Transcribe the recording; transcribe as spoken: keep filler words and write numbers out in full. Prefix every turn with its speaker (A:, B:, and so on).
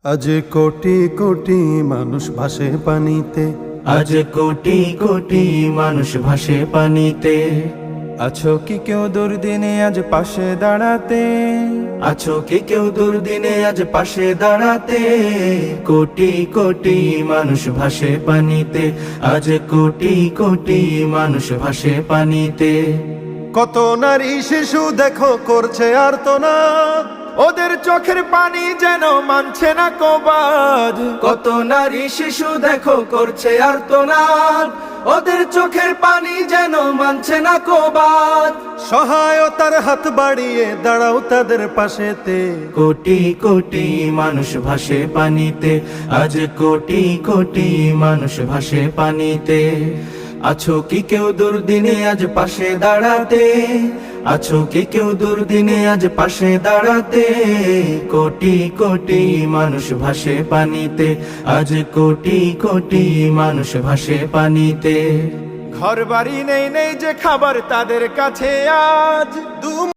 A: আজ কোটি কোটি মানুষ ভাসে পানিতে,
B: আজ কোটি কোটি মানুষ ভাসে পানিতে।
C: আছো কি কেউ দুর্দিনে আজ পাশে দাঁড়াতে?
B: আছো কি কেউ দুর্দিনে আজ পাশে দাঁড়াতে? কোটি কোটি মানুষ ভাসে পানিতে, আজ কোটি কোটি মানুষ ভাসে পানিতে।
A: কত নারী শিশু দেখো করছে আর্তনাদ,
C: ওদের চোখের পানি যেন মানছে না কবাদ।
B: কত নারী শিশু দেখো করছে আর্তনাদ, ওদের চোখের পানি যেন মানছে না কবাদ।
A: সহায়তার হাত বাড়িয়ে দাঁড়াও তাদের পাশেতে।
B: কোটি কোটি মানুষ ভাসে পানিতে, আজ কোটি কোটি মানুষ ভাসে পানিতে। আছো কি কেউ দুর্দিনে আজ পাশে দাঁড়াতে? আছো কি কেউ দুর্দিনে আজ পাশে দাঁড়াতে? কোটি কোটি মানুষ ভাসে পানিতে, আজ কোটি কোটি মানুষ ভাসে পানিতে।
C: ঘর বাড়ি নেই নেই যে খাবার তাদের কাছে আজ। দু